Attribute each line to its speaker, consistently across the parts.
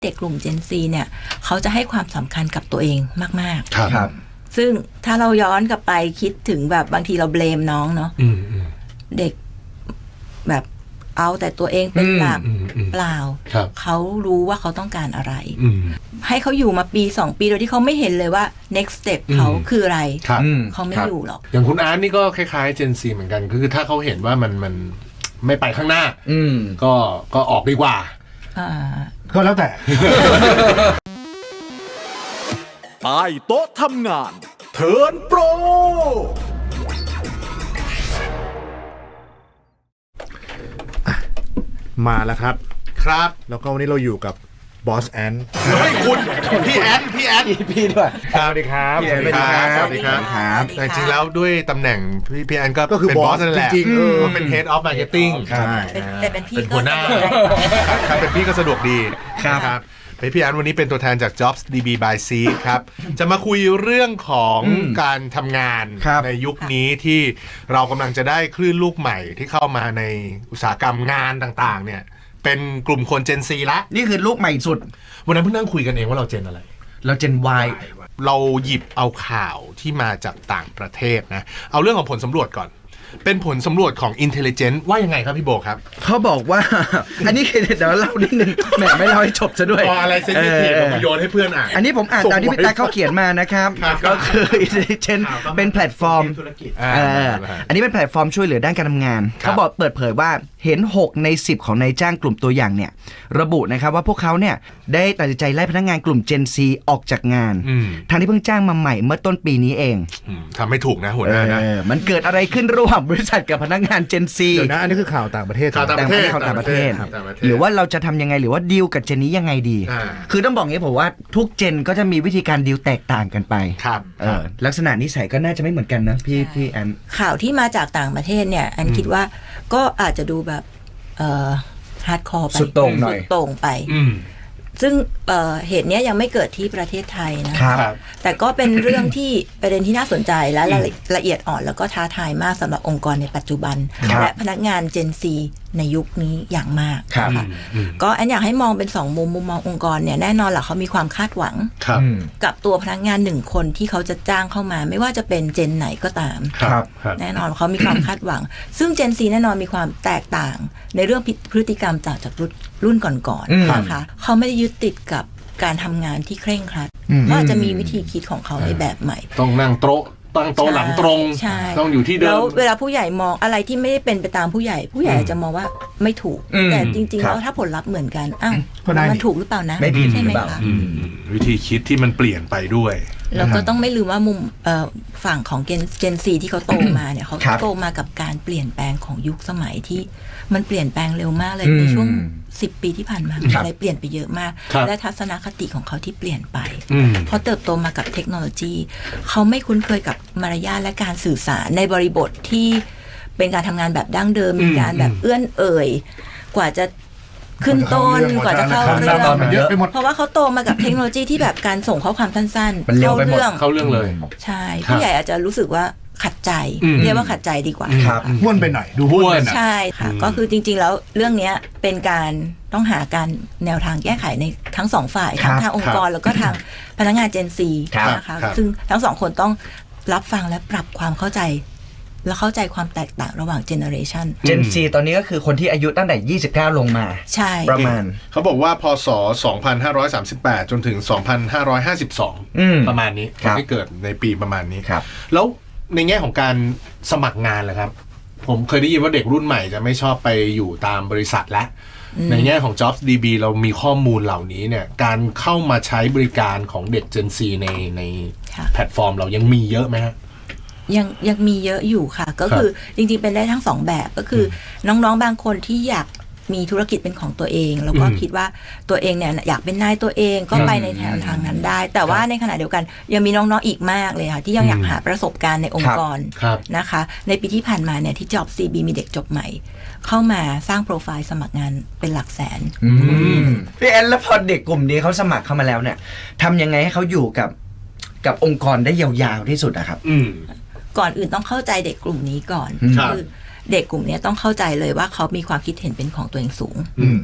Speaker 1: เด็กกลุ่ม Gen Z เนี่ยเขาจะให้ความสำคัญกับตัวเองมาก
Speaker 2: ๆครับ
Speaker 1: ซึ่งถ้าเราย้อนกลับไปคิดถึงแบบบางทีเราเบลมน้องเนาะเด็กแบบเอาแต่ตัวเองเป็นหลักเปล่าเขารู้ว่าเขาต้องการอะไรให้เขาอยู่มาปี2ปีโดยที่เขาไม่เห็นเลยว่า next step เขาคืออะไรเขาไม่อยู่หรอก
Speaker 2: อย่างคุณอาร์ตนี่ก็คล้ายๆ Gen Z เหมือนกันคือถ้าเขาเห็นว่ามันไม่ไปข้างหน้าก็ออกดีกว่า
Speaker 3: ก็แล้วแต่
Speaker 4: ใต้โต๊ะทำงานเทิร์นโปร
Speaker 3: มาแล้วครับแล้วก็วันนี้เราอยู่กับบอสแอน
Speaker 2: ไม่คุณพี่แอน
Speaker 3: พี่ด้วยสวัสดีครับ
Speaker 2: สวัสดีครับแต่จริงแล้วด้วยตำแหน่งพี่แอนก็คือบอสนั่นแหละจริงๆเป็น Head of Marketing
Speaker 1: ใช่แต่เป็นพี่ก็
Speaker 2: หัวหน้าครับเป็นพี่ก็สะดวกดีครับพี่แอนวันนี้เป็นตัวแทนจาก Jobs DB by Seek ครับจะมาคุยเรื่องของการทำงานในยุคนี้ที่เรากำลังจะได้คลื่นลูกใหม่ที่เข้ามาในอุตสาหกรรมงานต่างๆเนี่ยเป็นกลุ่มคน Gen Z ละ
Speaker 5: นี่คือลูกใหม่สุด
Speaker 2: วันนั้นเพิ่งนั่งคุยกันเองว่าเรา Gen อะไร
Speaker 5: เรา Gen Y
Speaker 2: เราหยิบเอาข่าวที่มาจากต่างประเทศนะเอาเรื่องของผลสำรวจก่อนเป็นผลสำรวจของ Intelligence ว่ายังไงครับพี่โบครับ
Speaker 5: เขาบอกว่า อันนี้เดี๋ยวเล่านิดนึงแหมไม่เล่าให้จบซะด้วย
Speaker 2: อะไรเซนซิทีฟผมโยนให้เพื่อนอ่าน
Speaker 5: อันนี้ผมอ่านตามที่พี่ตาเขาเขียนมานะครับก็คือ Intelligence เป็นแพลตฟอร์มอันนี้เป็นแพลตฟอร์มช่วยเหลือด้านการทำงานเขาบอกเปิดเผยว่าเห็น6ใน10ของนายจ้างกลุ่มตัวอย่างเนี่ยระบุนะครับว่าพวกเขาเนี่ยได้ตัดสินใจไล่พนักงานกลุ่ม Gen Z ออกจากงานทางที่เพิ่งจ้างมาใหม่เมื่อต้นปีนี้เอง
Speaker 2: ทำไม่ถูกนะหัวหน้านะ
Speaker 5: มันเกิดอะไรขึ้นระหว่างบริษัทกับพนักงาน Gen Z
Speaker 3: เดี๋ยวนะอันนี้คือข่าวต่างประเทศ
Speaker 5: ข่าวต่างประเทศหรือว่าเราจะทำยังไงหรือว่าดีลกับเจนนี้ยังไงดีคือต้องบอกงี้ผมว่าทุกเจนก็จะมีวิธีการดีลแตกต่างกันไปลักษณะนิสัยก็น่าจะไม่เหมือนกันนะพี่แอน
Speaker 1: ข่าวที่มาจากต่างประเทศเนี่ยอันคิดว่าก็อาจจะดูแบบฮาร์ดคอร์ไป
Speaker 5: สุดโต่งหน่อย
Speaker 1: โต่งไปซึ่งเหตุนี้ยังไม่เกิดที่ประเทศไทยนะครับแต่ก็เป็นเรื่องที่ประเด็นที่น่าสนใจและละเอียดอ่อนแล้วก็ท้าทายมากสำหรับองค์กรในปัจจุบันและพนักงาน Gen Z ในยุคนี้อย่างมากค่ะก็อันอยากให้มองเป็น2มุมมององค์กรเนี่ยแน่นอนแหละเขามีความคาดหวังกับตัวพนักงาน1คนที่เขาจะจ้างเข้ามาไม่ว่าจะเป็นเจนไหนก็ตามแน่นอนเขามีความคาดหวังซึ่ง Gen Z แน่นอนมีความแตกต่างในเรื่องพฤติกรรมจากรุ่นก่อนๆนะคะเขาไม่ได้ยึดติดกับการทำงานที่เคร่งครัดเขาอาจจะมีวิธีคิดของเขาในแบบใหม่
Speaker 2: ต้องนั่งโต๊ะตั้งโต๊ะหลังตรงต้องอยู่ที่เดิม
Speaker 1: แล้วเวลาผู้ใหญ่มองอะไรที่ไม่ได้เป็นไปตามผู้ใหญ่อาจจะมองว่าไม่ถูกแต่จริงๆแล้วถ้าผลลัพธ์เหมือนกันอ้าวมันถูกหรือเปล่านะใช่ไหมคะ
Speaker 2: วิธีคิดที่มันเปลี่ยนไปด้วย
Speaker 1: แล้วก็ต้องไม่ลืมว่ามุมฝั่งของเจนซีที่เขาโตมาเนี่ยเขาโตมากับการเปลี่ยนแปลงของยุคสมัยที่มันเปลี่ยนแปลงเร็วมากเลยในช่วง10 ปีที่ผ่านมาอะไรเปลี่ยนไปเยอะมากและทัศนคติของเขาที่เปลี่ยนไปเพราะเติบโตมากับเทคโนโลยีเขาไม่คุ้นเคยกับมารยาทและการสื่อสารในบริบทที่เป็นการทำงานแบบดั้งเดิมมีการแบบเอื้อนเอ่ยกว่าจะขึ้นต้นกว่าจะเข้าเรื่องเพราะว่าเขาโตมากับเทคโนโลยีที่แบบการส่งข้อความสั้นๆเข้าเ
Speaker 2: รื่องเลย
Speaker 1: ใช่ผู้ใหญ่อาจจะรู้สึกว่าขัดใจเรียกว่าขัดใจดีกว่า
Speaker 3: ห้วนไปหน่อยดูห้วน
Speaker 1: ใช่ค่ะก็คือจริงๆแล้วเรื่องนี้เป็นการต้องหาการแนวทางแก้ไขในทั้งสองฝ่ายทั้งทางองค์กรแล้วก็ทางพนักงาน Gen Z นะคะซึ่งทั้งสองคนต้องรับฟังและปรับความเข้าใจและเข้าใจความแตกต่างระหว่างเจเนอเรชัน
Speaker 5: Gen Z ตอนนี้ก็คือคนที่อายุตั้งแต่29ลงมา
Speaker 1: ใช่
Speaker 5: ประมาณ
Speaker 2: เขาบอกว่าพศ2538จนถึง2552ประมาณนี้คนที่เกิดในปีประมาณนี้แล้วในแง่ของการสมัครงานแหละครับผมเคยได้ยินว่าเด็กรุ่นใหม่จะไม่ชอบไปอยู่ตามบริษัทและในแง่ของ Jobs DB เรามีข้อมูลเหล่านี้เนี่ยการเข้ามาใช้บริการของเด็ก Gen Z ในแพลตฟอร์มเรายังมีเยอะไหมฮะ
Speaker 1: ยังมีเยอะอยู่ค่ะก็คือจริงๆเป็นได้ทั้ง2แบบก็คือน้องๆบางคนที่อยากมีธุรกิจเป็นของตัวเองแล้วก็คิดว่าตัวเองเนี่ยอยากเป็นนายตัวเองก็ไปในแนวทางนั้นได้แต่ว่าในขณะเดียวกันยังมีน้องๆอีกมากเลยค่ะที่ยังอยากหาประสบการณ์ในองค์กรนะคะในปีที่ผ่านมาเนี่ยที่ Jobs DB มีเด็กจบใหม่เข้ามาสร้างโปรไฟล์สมัครงานเป็นหลักแสน
Speaker 5: พี่แอนแล้วพอเด็กกลุ่มนี้เขาสมัครเข้ามาแล้วเนี่ยทำยังไงให้เขาอยู่กับองค์กรได้ยาวๆที่สุดอะครับ
Speaker 1: ก่อนอื่นต้องเข้าใจเด็กกลุ่มนี้ก่อนคือเด็กกลุ่มนี้ต้องเข้าใจเลยว่าเขามีความคิดเห็นเป็นของตัวเองสูง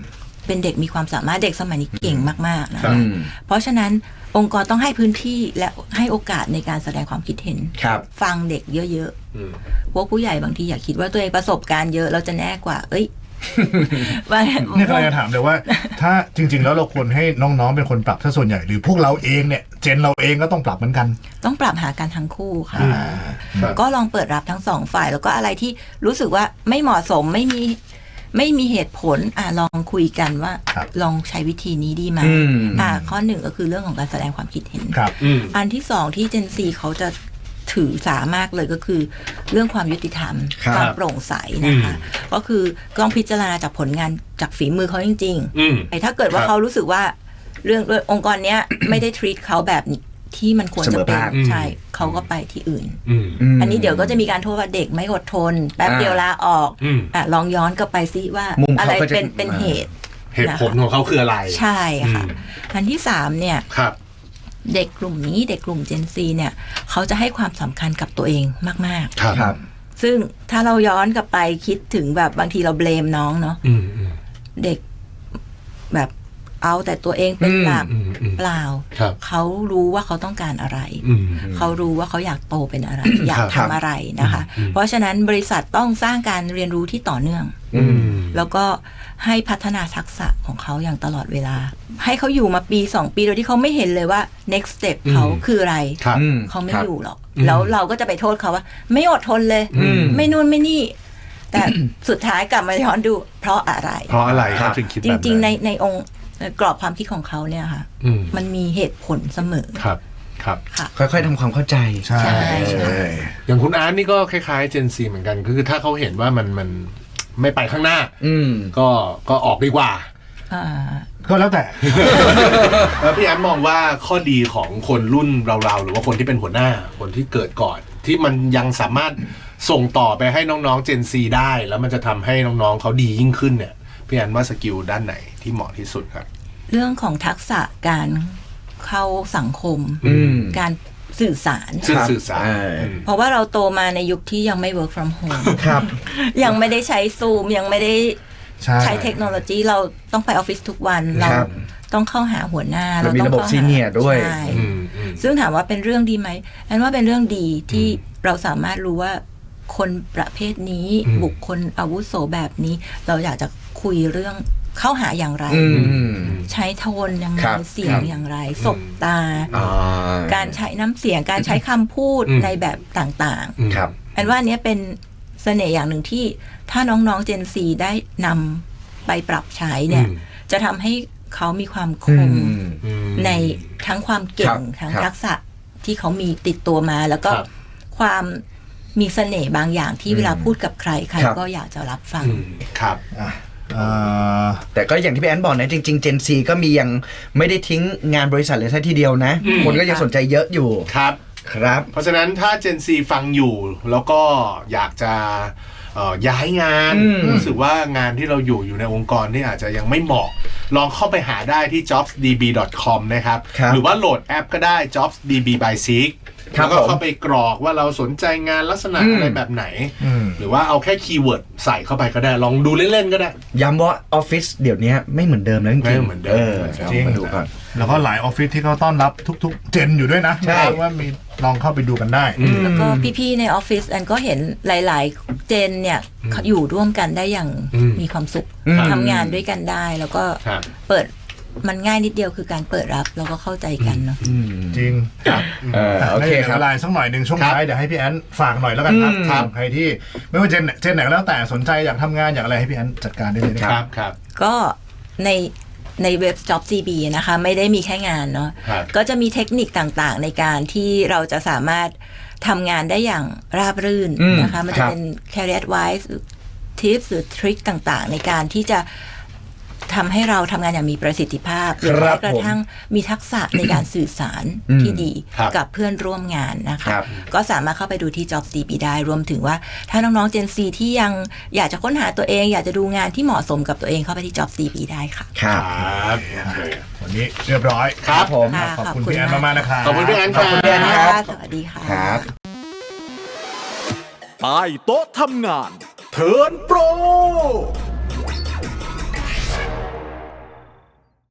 Speaker 1: เป็นเด็กมีความสามารถเด็กสมัยนี้เก่งมากๆนะคะเพราะฉะนั้นองค์กรต้องให้พื้นที่และให้โอกาสในการแสดงความคิดเห็นฟังเด็กเยอะๆพวกผู้ใหญ่บางทีอยากคิดว่าตัวเองประสบการณ์เยอะเราจะแน่กว่า
Speaker 3: เนี่ยเราจะถามเลยว่าถ้าจริงๆแล้วเราควรให้น้องๆเป็นคนปรับถ้าส่วนใหญ่หรือพวกเราเองเนี่ยเจนเราเองก็ต้องปรับเหมือนกัน
Speaker 1: ต้องปรับหากันทั้งคู่ค่ะก็ลองเปิดรับทั้งสองฝ่ายแล้วก็อะไรที่รู้สึกว่าไม่เหมาะสมไม่มีเหตุผลลองคุยกันว่าลองใช้วิธีนี้ดีไหมข้อหนึ่งก็คือเรื่องของการแสดงความคิดเห็นอันที่สองที่เจนซีเขาจะถือสามากเลยก็คือเรื่องความยุติธรรมความโปร่งใสนะคะก็คือต้องพิจารณาจากผลงานจากฝีมือเขาจริงๆถ้าเกิดว่าเขารู้สึกว่าเรื่ององค์กรเนี้ยไม่ได้ treat เขาแบบที่มันควรจะเป็นใช่เขาก็ไปที่อื่นอันนี้เดี๋ยวก็จะมีการโทษว่าเด็กไม่อดทนแป๊บเดียวลาออกลองย้อนกลับไปซิว่าอะไรเป็นเหตุ
Speaker 2: ผลของเขาคืออะไร
Speaker 1: ใช่ค่ะอันที่3เนี่ยเด็กกลุ่มนี้เด็กกลุ่ม Gen Z เนี่ยเขาจะให้ความสำคัญกับตัวเองมากๆครับซึ่งถ้าเราย้อนกลับไปคิดถึงแบบบางทีเราเบลมน้องเนาะเด็กแบบเอาแต่ตัวเองเป็นหลักเปล่าเขารู้ว่าเขาต้องการอะไรเขารู้ว่าเขาอยากโตเป็นอะไรอยากทำอะไรนะคะเพราะฉะนั้นบริษัทต้องสร้างการเรียนรู้ที่ต่อเนื่องแล้วก็ให้พัฒนาทักษะของเขาอย่างตลอดเวลาให้เขาอยู่มาปี2ปีโดยที่เขาไม่เห็นเลยว่า next step เขาคืออะไรเขาไม่อยู่หรอกแล้วเราก็จะไปโทษเขาว่าไม่อดทนเลยไม่นู่นไม่นี่แต่สุดท้ายกลับมาย้อนดูเพราะอะไร
Speaker 2: ครับ
Speaker 1: จริงๆในองค์กรอบความคิดของเขาเนี่ยค่ะมันมีเหตุผลเสมอ
Speaker 2: ครับ
Speaker 5: ค่อยๆทำความเข้าใจ
Speaker 1: ใช่
Speaker 2: อย่างคุณอาร์ตนี่ก็คล้ายๆเจนซีเหมือนกันคือถ้าเขาเห็นว่ามันไม่ไปข้างหน้าก็ออกดีกว่า
Speaker 3: ก็แล้วแต่
Speaker 2: แล้วพี่แอมมองว่าข้อดีของคนรุ่นเราหรือว่าคนที่เป็นหัวหน้าคนที่เกิดก่อนที่มันยังสามารถส่งต่อไปให้น้องๆเจนซีได้แล้วมันจะทำให้น้องๆเขาดียิ่งขึ้นเนี่ยพี่แอมว่าสกิลด้านไหนที่เหมาะที่สุดครับ
Speaker 1: เรื่องของทักษะการเข้าสังคมการสื่อสารเพราะว่าเราโตมาในยุคที่ยังไม่ work from home
Speaker 5: ครับ
Speaker 1: ยังไม่ได้ใช้ซูมยังไม่ได้ใช้เทคโนโลยีเราต้องไปออฟฟิศทุกวันเราต้องเข้าหาหัวหน้า
Speaker 5: เรามีระบบซีเนียร์ด้วย
Speaker 1: ซึ่งถามว่าเป็นเรื่องดีไหมอันว่าเป็นเรื่องดีที่เราสามารถรู้ว่าคนประเภทนี้บุคคลอาวุโสแบบนี้เราอยากจะคุยเรื่องเข้าหาอย่างไรใช้โทนยังไงเสียงอย่างไรสบตาการใช้น้ำเสียงการใช้คำพูดในแบบต่างๆอันว่านี้เป็นเสน่ห์อย่างหนึ่งที่ถ้าน้องๆ Gen Z ได้นำไปปรับใช้เนี่ยจะทำให้เขามีความคมในทั้งความเก่งทั้งทักษะที่เขามีติดตัวมาแล้วก็ความมีเสน่ห์บางอย่างที่เวลาพูดกับใครก็อยากจะรับฟัง
Speaker 2: ครับ
Speaker 5: แต่ก็อย่างที่พี่แอนบอกนะจริงๆ Gen Z ก็มียังไม่ได้ทิ้งงานบริษัทเลยแค่ทีเดียวนะคนก็ยังสนใจเยอะอยู่
Speaker 2: ครับเพราะฉะนั้นถ้า Gen Z ฟังอยู่แล้วก็อยากจะย้ายงานรู้สึกว่างานที่เราอยู่ในองค์กรที่อาจจะยังไม่เหมาะลองเข้าไปหาได้ที่ jobsdb.com นะครับหรือว่าโหลดแอปก็ได้ jobsdb by Seekแล้วก็เข้าไปกรอกว่าเราสนใจงานลักษณะอะไรแบบไหนหรือว่าเอาแค่คีย์เวิร์ดใส่เข้าไปก็ได้ลองดูเล่นๆก็ได้
Speaker 5: ย้ำว่าออฟฟิศเดี๋ยวนี้ไม่เหมือนเดิมแล้วจริง
Speaker 2: ไม่เหมือนเดิม
Speaker 3: จริงมาดูกันแล้วก็หลายออฟฟิศที่เขาต้อนรับทุกๆเจนอยู่ด้วยนะใช่ว่ามีลองเข้าไปดูกันได้
Speaker 1: แล้วก็พี่ๆในออฟฟิศอันก็เห็นหลายๆเจนเนี่ยอยู่ร่วมกันได้อย่างมีความสุขทำงานด้วยกันได้แล้วก็เปิดมันง่ายนิดเดียวคือการเปิดรับแล้วก็เข้าใจกันเนาะ
Speaker 3: จริง
Speaker 5: โอเคครับ
Speaker 3: อะไรสักหน่อยหนึ่งช่วงท้ายเดี๋ยวให้พี่แอนฝากหน่อยแล้วกันครับใครที่ไม่ว่าเจนไหนก็แล้วแต่สนใจอยากทำงานอยากอะไรให้พี่แอนจัดการได้เลย
Speaker 2: ครับ
Speaker 1: ก็ในเว็บ JobsDB นะคะไม่ได้มีแค่งานเนาะก็จะมีเทคนิคต่างๆในการที่เราจะสามารถทำงานได้อย่างราบรื่นนะคะมันจะเป็น career advice tips หรือทริคต่างๆในการที่จะทำให้เราทำงานอย่างมีประสิทธิภาพหรือแม้กระทั่งมีทักษะในการสื่อสารที่ดีกับเพื่อนร่วมงานนะคะก็สามารถเข้าไปดูที่ JobsDB ได้รวมถึงว่าถ้าน้องๆ Gen Z ที่ยังอยากจะค้นหาตัวเองอยากจะดูงานที่เหมาะสมกับตัวเองเข้าไปที่ JobsDB ได้ค่ะ
Speaker 2: ครับ
Speaker 3: วันนี้เรียบร้อย
Speaker 2: ครับผม
Speaker 3: ขอบคุณพี่แอนมากๆนะครับ
Speaker 2: ขอบคุณพี่แอน
Speaker 1: ครับสวัสดีค่ะ
Speaker 4: ใต้โต๊ะทำงานเทิร์นโปร